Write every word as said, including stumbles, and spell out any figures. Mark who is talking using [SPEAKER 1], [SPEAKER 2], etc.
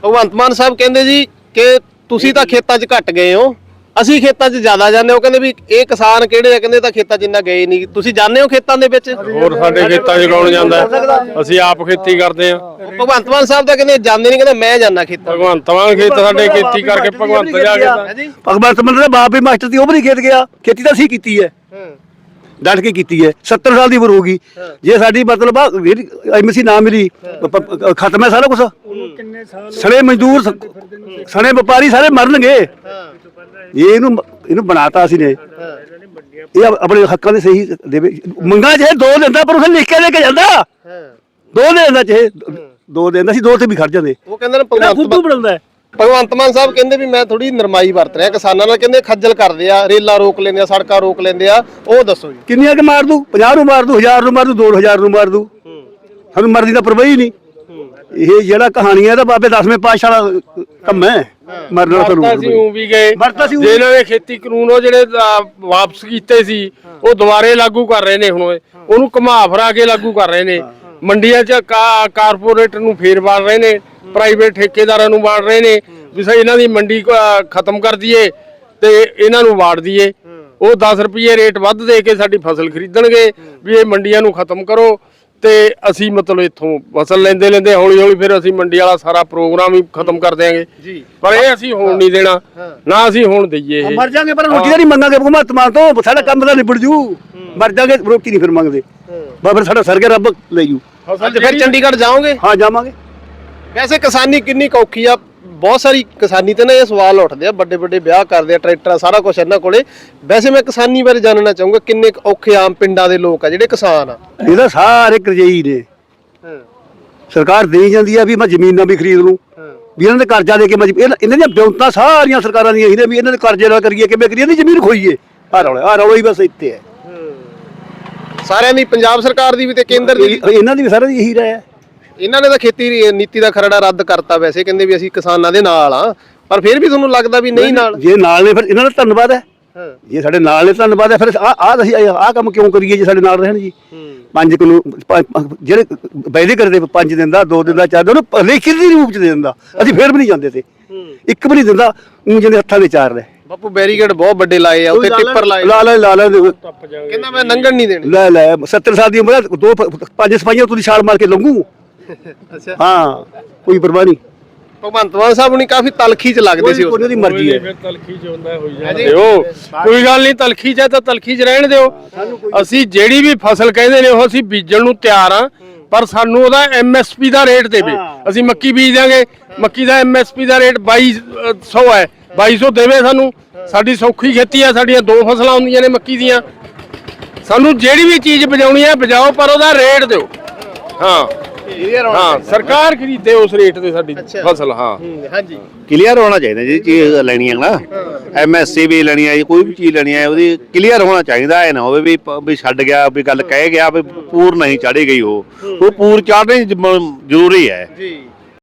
[SPEAKER 1] ਭਗਵੰਤ ਮਾਨ ਸਾਹਿਬ ਕਹਿੰਦੇ ਜੀ ਕਿ ਤੁਸੀਂ ਤਾਂ ਖੇਤਾਂ 'ਚ ਘੱਟ ਗਏ ਹੋ, ਅਸੀਂ ਖੇਤਾਂ 'ਚ ਜ਼ਿਆਦਾ ਜਾਂਦੇ ਹੋ। ਕਹਿੰਦੇ ਵੀ ਇਹ ਕਿਸਾਨ ਕਿਹੜੇ ਆ, ਕਹਿੰਦੇ ਤਾਂ ਖੇਤਾਂ 'ਚ ਇੰਨਾ ਗਏ ਨਹੀਂ। ਤੁਸੀਂ ਜਾਂਦੇ ਹੋ ਖੇਤਾਂ ਦੇ ਵਿੱਚ?
[SPEAKER 2] ਹੋਰ ਸਾਡੇ ਖੇਤਾਂ 'ਚ ਕੌਣ ਜਾਂਦਾ, ਅਸੀਂ ਆਪ ਖੇਤੀ ਕਰਦੇ ਆ।
[SPEAKER 1] ਭਗਵੰਤ ਮਾਨ ਸਾਹਿਬ ਤਾਂ ਕਹਿੰਦੇ ਜਾਂਦੇ ਨਹੀਂ, ਕਹਿੰਦੇ ਮੈਂ ਜਾਂਦਾ ਖੇਤਾਂ।
[SPEAKER 2] ਭਗਵੰਤ ਮਾਨ ਖੇਤ ਸਾਡੇ ਖੇਤੀ ਕਰਕੇ ਭਗਵੰਤ ਜਾ ਕੇ
[SPEAKER 3] ਭਗਵੰਤ ਮਾਨ ਦਾ ਬਾਪ ਵੀ ਮਾਸਟਰ ਸੀ, ਉਹ ਵੀ ਨਹੀਂ ਖੇਤ ਗਿਆ। ਖੇਤੀ ਤਾਂ ਅਸੀਂ ਕੀਤੀ ਹੈ, ਡਟ ਕੇ ਕੀਤੀ ਹੈ। ਸੱਤਰ ਸਾਲ ਦੀ ਉਮਰ ਹੋ ਗਈ। ਜੇ ਸਾਡੀ ਮਤਲਬ ਐਮਸੀ ਨਾ ਮਿਲੀ, ਖਤਮ ਹੈ ਸਾਰਾ ਕੁਛ। ਸਣੇ ਮਜ਼ਦੂਰ, ਸਣੇ ਵਪਾਰੀ ਸਾਰੇ ਮਰਨਗੇ। ਇਹ ਇਹਨੂੰ ਇਹਨੂੰ ਬਣਾਤਾ ਅਸੀਂ ਨੇ। ਇਹ ਆਪਣੇ ਹੱਕਾਂ ਦੇ ਸਹੀ ਦੇਵੇ। ਮੰਗਾ ਚਾਹੇ ਦੋ ਦਿੰਦਾ, ਪਰ ਉਸੇ ਲਿਖ ਕੇ ਲੈ ਕੇ ਜਾਂਦਾ। ਦੋ ਦੇ ਦਿੰਦਾ, ਚਾਹੇ ਦੋ ਦਿੰਦਾ ਸੀ, ਦੋ ਤੇ ਵੀ ਖੜ ਜਾਂਦੇ।
[SPEAKER 1] ਉਹ ਕਹਿੰਦੇ ਨੇ ਭਗਵੰਤ
[SPEAKER 3] ਬਣਾਉਂਦਾ
[SPEAKER 1] ਭਗਵੰਤ ਮਾਨ ਸਾਹਿਬ ਕਹਿੰਦੇ ਵੀ ਮੈਂ ਥੋੜੀ ਨਰਮਾਈ ਵਰਤ ਰਿਹਾ ਕਿਸਾਨਾਂ ਨਾਲ। ਕਹਿੰਦੇ ਖੱਜਲ ਕਰਦੇ ਆ, ਰੇਲਾਂ ਰੋਕ ਲੈਂਦੇ ਆ, ਸੜਕਾਂ ਰੋਕ ਲੈਂਦੇ ਆ। ਉਹ ਦੱਸੋ ਜੀ
[SPEAKER 3] ਕਿੰਨੀਆਂ ਕਿ ਮਾਰ ਦੂ? ਪੰਜਾਹ ਨੂੰ ਮਾਰ ਦੂ, ਹਜ਼ਾਰ ਨੂੰ ਮਾਰ ਦੂ, ਦੋ ਹਜ਼ਾਰ ਨੂੰ ਮਾਰ ਦੂ। ਸਾਨੂੰ ਮਰਦੀ ਦਾ ਪਰਵਾਹ ਹੀ ਨਹੀਂ। ਇਹ ਜਿਹੜਾ ਕਹਾਣੀ ਹੈ ਤਾਂ ਬਾਬੇ ਦਸਵੇਂ ਪਾਤਸ਼ਾਹ ਵਾਲਾ ਕੰਮ ਹੈ। ਮਰਨਾ ਤਾਂ
[SPEAKER 2] ਅਸੀਂ ਉਹ ਵੀ ਗਏ। ਜੇ ਇਹਨਾਂ ਨੇ ਖੇਤੀ ਕਾਨੂੰਨ ਉਹ ਜਿਹੜੇ ਵਾਪਸ ਕੀਤੇ ਸੀ, ਉਹ ਦੁਬਾਰੇ ਲਾਗੂ ਕਰ ਰਹੇ ਨੇ। ਹੁਣ ਉਹਨੂੰ ਘੁਮਾ ਫਿਰਾ ਕੇ ਲਾਗੂ ਕਰ ਰਹੇ ਨੇ। ਮੰਡੀਆਂ 'ਚ ਕਾਰਪੋਰੇਟਰ ਨੂੰ ਫੇਰ ਵਾੜ ਰਹੇ ਨੇ, ਪ੍ਰਾਈਵੇਟ ਠੇਕੇਦਾਰਾਂ ਨੂੰ ਵਾੜ ਰਹੇ ਨੇ ਵੀ ਸਹੀ ਇਹਨਾਂ ਦੀ ਮੰਡੀ ਖਤਮ ਕਰ ਦਈਏ ਤੇ ਇਹਨਾਂ ਨੂੰ ਵਾੜ ਦਈਏ। ਉਹ ਦਸ ਰੁਪਏ ਰੇਟ ਵੱਧ ਦੇ ਕੇ ਸਾਡੀ ਫਸਲ ਖਰੀਦਣਗੇ ਵੀ ਇਹ ਮੰਡੀਆਂ ਨੂੰ ਖਤਮ ਕਰੋ, ਤੇ ਅਸੀਂ ਮਤਲਬ ਇੱਥੋਂ ਫਸਲ ਲੈਂਦੇ ਲੈਂਦੇ ਹੌਲੀ ਹੌਲੀ ਫਿਰ ਅਸੀਂ ਮੰਡੀ ਵਾਲਾ ਸਾਰਾ ਪ੍ਰੋਗਰਾਮ ਹੀ ਖਤਮ ਕਰ ਦਿਆਂਗੇ ਜੀ। ਪਰ ਇਹ ਅਸੀਂ ਹੋਣ ਨਹੀਂ ਦੇਣਾ, ਨਾ ਅਸੀਂ ਹੋਣ ਦਈਏ। ਇਹ
[SPEAKER 3] ਮਰ ਜਾਾਂਗੇ ਪਰ ਰੋਟੀ ਦਾ ਨਹੀਂ ਮੰਗਾਂਗੇ ਭਗਵੰਤ ਮਾਨ ਤੋਂ। ਸਾਡਾ ਕੰਮ ਦਾ ਨਿਬੜ ਜੂ। ਮਰ ਜਾਾਂਗੇ, ਰੋਟੀ ਨਹੀਂ ਫਿਰ ਮੰਗਦੇ। ਬਸ ਫਿਰ ਸਾਡਾ ਸਰ ਗਿਆ, ਰੱਬ ਲੈ ਜੂ।
[SPEAKER 1] ਫਿਰ ਚੰਡੀਗੜ੍ਹ ਜਾਓਗੇ?
[SPEAKER 3] ਹਾਂ ਜਾਵਾਂਗੇ।
[SPEAKER 1] ਵੈਸੇ ਕਿਸਾਨੀ ਕਿੰਨੀ ਕੁ ਔਖੀ ਆ? ਬਹੁਤ ਸਾਰੀ ਕਿਸਾਨੀ ਤੇ ਨਾ ਇਹ ਸਵਾਲ ਉੱਠਦੇ ਆ, ਵੱਡੇ ਵੱਡੇ ਵਿਆਹ ਕਰਦੇ ਆ, ਟਰੈਕਟਰ ਸਾਰਾ ਕੁਝ ਇਹਨਾਂ ਕੋਲੇ। ਵੈਸੇ ਮੈਂ ਕਿਸਾਨੀ ਬਾਰੇ ਜਾਣਨਾ ਚਾਹੂੰਗਾ, ਕਿੰਨੇ ਔਖੇ ਆਮ ਪਿੰਡਾਂ ਦੇ ਲੋਕ ਆ ਜਿਹੜੇ ਕਿਸਾਨ ਆ?
[SPEAKER 3] ਇਹਦਾ ਸਾਰੇ ਕਰਜ਼ਈ ਨੇ। ਸਰਕਾਰ ਦੇਈ ਜਾਂਦੀ ਆ ਵੀ ਮੈਂ ਜ਼ਮੀਨਾਂ ਵੀ ਖਰੀਦ ਲੂੰ, ਵੀ ਇਹਨਾਂ ਦੇ ਕਰਜ਼ਾ ਦੇ ਕੇ ਮੈਂ ਇਹਨਾਂ ਦੀਆਂ ਬਿਉਂਤਾਂ ਸਾਰੀਆਂ ਸਰਕਾਰਾਂ ਦੀਆਂ ਇਹੀ ਨੇ ਵੀ ਇਹਨਾਂ ਦੇ ਕਰਜ਼ੇ ਨਾਲ ਕਰੀਏ, ਕਿਵੇਂ ਕਰੀਏ, ਇਹਦੀ ਜ਼ਮੀਨ ਖੋਈਏ। ਆ ਰੌਲਾ ਆ ਰੌਲਾ ਹੀ ਬਸ ਇੱਥੇ ਹੈ
[SPEAKER 1] ਸਾਰਿਆਂ ਦੀ, ਪੰਜਾਬ ਸਰਕਾਰ ਦੀ ਵੀ ਤੇ ਕੇਂਦਰ ਦੀ।
[SPEAKER 3] ਇਹਨਾਂ ਦੀ ਵੀ ਸਾਰਿਆਂ ਦੀ ਇਹੀ ਰਾਏ ਹੈ।
[SPEAKER 1] ਇਹਨਾਂ ਨੇ ਤਾਂ ਖੇਤੀ ਨੀਤੀ ਦਾ ਖਰੜਾ ਰੱਦ ਕਰਤਾ। ਵੈਸੇ ਕਹਿੰਦੇ ਵੀ ਅਸੀਂ ਕਿਸਾਨਾਂ ਦੇ ਨਾਲ ਆ, ਪਰ ਫਿਰ ਵੀ ਤੁਹਾਨੂੰ ਲੱਗਦਾ ਵੀ ਨਹੀਂ ਨਾਲ?
[SPEAKER 3] ਜੇ ਨਾਲ ਨੇ ਫਿਰ ਇਹਨਾਂ ਦਾ ਧੰਨਵਾਦ ਹੈ। ਜੇ ਸਾਡੇ ਨਾਲ ਨੇ ਧੰਨਵਾਦ ਹੈ। ਫਿਰ ਆ ਆ ਅਸੀਂ ਆਹ ਕੰਮ ਕਿਉਂ ਕਰੀਏ ਜੇ ਸਾਡੇ ਨਾਲ ਰਹਿਣ ਜੀ? ਪੰਜ ਕਿਲੋ ਜਿਹੜੇ ਵਾਅਦੇ ਕਰਦੇ ਪੰਜ ਦਿੰਦਾ, ਦੋ ਦਿੰਦਾ, ਚਾਰ ਦਿੰਦਾ, ਉਹਨੂੰ ਲਿਖਤ ਦੇ ਰੂਪ ਚ ਦੇ ਦਿੰਦਾ। ਅਸੀਂ ਫਿਰ ਵੀ ਨਹੀਂ ਜਾਂਦੇ ਤੇ ਇੱਕ ਵੀ ਨਹੀਂ ਦਿੰਦਾ। ਊਂ ਜਿਹਦੇ ਹੱਥਾਂ ਦੇ ਚਾਰ ਲੈ
[SPEAKER 1] ਬਾਪੂ ਬੈਰੀਕੇਡ ਬਹੁਤ ਵੱਡੇ ਲਾਏ ਆ, ਉੱਤੇ ਟਿੱਪਰ ਲਾਏ,
[SPEAKER 3] ਲਾ ਲੈ ਲਾ ਲੈ।
[SPEAKER 1] ਕਹਿੰਦਾ ਮੈਂ ਲੰਘਣ ਨਹੀਂ ਦੇਣੀ।
[SPEAKER 3] ਲੈ ਲੈ ਸੱਤਰ ਸਾਲ ਦੀ ਉਮਰ, ਦੋ ਪੰਜ ਸਪਾਈਆਂ ਤੁਸੀਂ ਛਾਲ ਮਾਰ ਕੇ ਲੰਘੂ।
[SPEAKER 1] ਅੱਛਾ
[SPEAKER 3] ਹਾਂ, ਕੋਈ ਪਰਵਾਹ ਨਹੀਂ।
[SPEAKER 1] ਭਗਵੰਤ ਮਾਨ ਸਾਹਿਬ ਹੁਣੀ ਕਾਫੀ ਤਲਖੀ ਚ ਲੱਗਦੇ ਸੀ।
[SPEAKER 3] ਉਹਨਾਂ ਦੀ ਮਰਜ਼ੀ ਹੈ।
[SPEAKER 2] ਫਿਰ ਤਲਖੀ ਚ ਹੁੰਦਾ ਹੋਈ ਜਾਂਦੇ ਹੋ, ਕੋਈ ਗੱਲ ਨਹੀਂ। ਤਲਖੀ ਚ ਤਾਂ ਤਲਖੀ ਚ ਰਹਿਣ ਦਿਓ। ਅਸੀਂ ਜਿਹੜੀ ਵੀ ਫਸਲ ਕਹਿੰਦੇ ਨੇ ਉਹ ਅਸੀਂ ਬੀਜਣ ਨੂੰ ਤਿਆਰ ਆ, ਪਰ ਸਾਨੂੰ ਉਹਦਾ ਐਮ ਐਸ ਪੀ ਦਾ ਰੇਟ ਦੇਵੇ। ਅਸੀਂ ਮੱਕੀ ਬੀਜ ਦਿਆਂਗੇ, ਮੱਕੀ ਦਾ ਐਮ ਐਸ ਪੀ ਦਾ ਰੇਟ ਬਾਈ ਸੌ ਹੈ, ਬਾਈ ਸੌ ਦੇਵੇ ਸਾਨੂੰ। ਸਾਡੀ ਸੌਖੀ ਖੇਤੀ ਆ, ਸਾਡੀਆਂ ਦੋ ਫਸਲਾਂ ਹੁੰਦੀਆਂ ਨੇ ਮੱਕੀ ਦੀਆਂ। ਸਾਨੂੰ ਜਿਹੜੀ ਵੀ ਚੀਜ਼ ਬਜਾਉਣੀ ਹੈ ਬਜਾਓ, ਪਰ ਉਹਦਾ ਰੇਟ ਦਿਓ। ਹਾਂ ਹਾਂ, ਸਰਕਾਰ ਖਰੀਦੇ ਉਸ ਰੇਟ ਤੇ ਸਾਡੀ ਫਸਲ। ਹਾਂ
[SPEAKER 1] ਹਾਂਜੀ,
[SPEAKER 4] ਕਲੀਅਰ ਹੋਣਾ ਚਾਹੀਦਾ। ਜਿਹੜੀ ਚੀਜ਼ ਲੈਣੀ ਹੈ ਨਾ, ਐਮ ਐਸ ਸੀ ਵੀ ਲੈਣੀ ਹੈ, ਕੋਈ ਵੀ ਚੀਜ਼ ਲੈਣੀ ਹੈ, ਉਹਦੀ ਕਲੀਅਰ ਹੋਣਾ ਚਾਹੀਦਾ। ਇਹ ਨਾ ਹੋਵੇ ਵੀ ਵੀ ਛੱਡ ਗਿਆ, ਵੀ ਗੱਲ ਕਹਿ ਗਿਆ ਵੀ ਪੂਰ ਨਹੀਂ ਚਾੜੀ ਗਈ। ਉਹ ਉਹ ਪੂਰ ਚਾੜਨੀ ਜ਼ਰੂਰੀ ਹੈ ਜੀ।